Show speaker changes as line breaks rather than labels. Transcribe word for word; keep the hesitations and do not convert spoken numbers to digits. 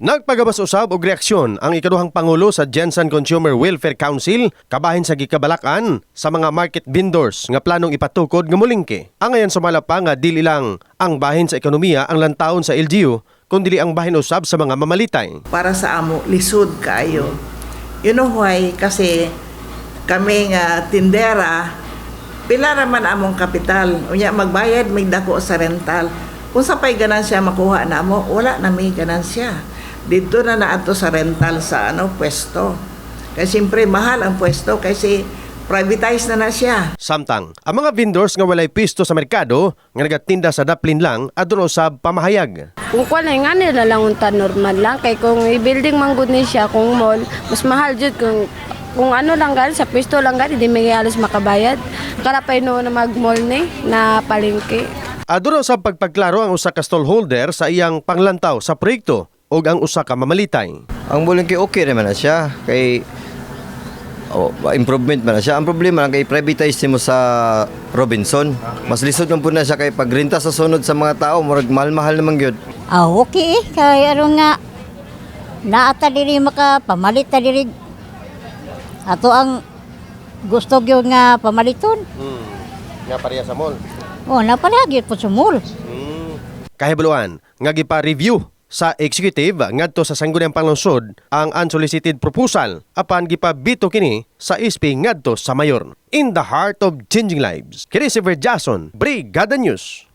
Nagpagabas usab og reaksyon ang ikaduhang pangulo sa Gensan Consumer Welfare Council kabahin sa gikabalakan sa mga market vendors nga planong ipatukod nga mulingke. Ang ayan sumala pa nga dili lang ang bahin sa ekonomiya ang lantawon sa L G U kundi ang bahin usab sa mga mamalitay.
Para sa amo lisod kaayo. You know why? Kasi kami nga tindera pila raman among kapital. Unya magbayad may dako sa rental. Kung sa pay ganansya makuha na mo, wala na may ganansya. Dito na naato sa rental sa ano pwesto. Kasi siyempre mahal ang pwesto kasi privatize na na siya.
Samtang, ang mga vendors nga walay pisto sa merkado nga nagatinda sa daplin lang adun usab pamahayag.
Kung kuan nga nila lang unta normal lang kay kung i-building man gud ni siya kung mall, mas mahal jud kung kung ano lang gali sa pisto lang gali di may alos makabayad. Karapay no na mag-mall ni na palengke.
Adun usab pagpagklaro ang usa ka stallholder sa iyang panglantaw sa proyekto o ang usa ka mamalitay.
Ang bulingki okay naman na siya kay oh, improvement man na siya. Ang problema lang kay privatize mo sa Robinson. Mas lisod man po na siya kay pagrenta sa sunod sa mga tao murag mahal-mahal naman gyud.
Ah, okay eh. Kaya aron nga naata diri makapamalit ta diri. Ato ang gusto gyud nga pamaliton.
Hmm. Nga pareha sa mall.
Oh, napalagi po sa mall.
Hmm. Kahibuluan nga gipa-review sa executive ngadto sa Sangguniang Panglungsod ang unsolicited proposal apan gipabito kini sa S P ngadto sa mayor. In the heart of changing lives, kini si Verjason, Brigada News.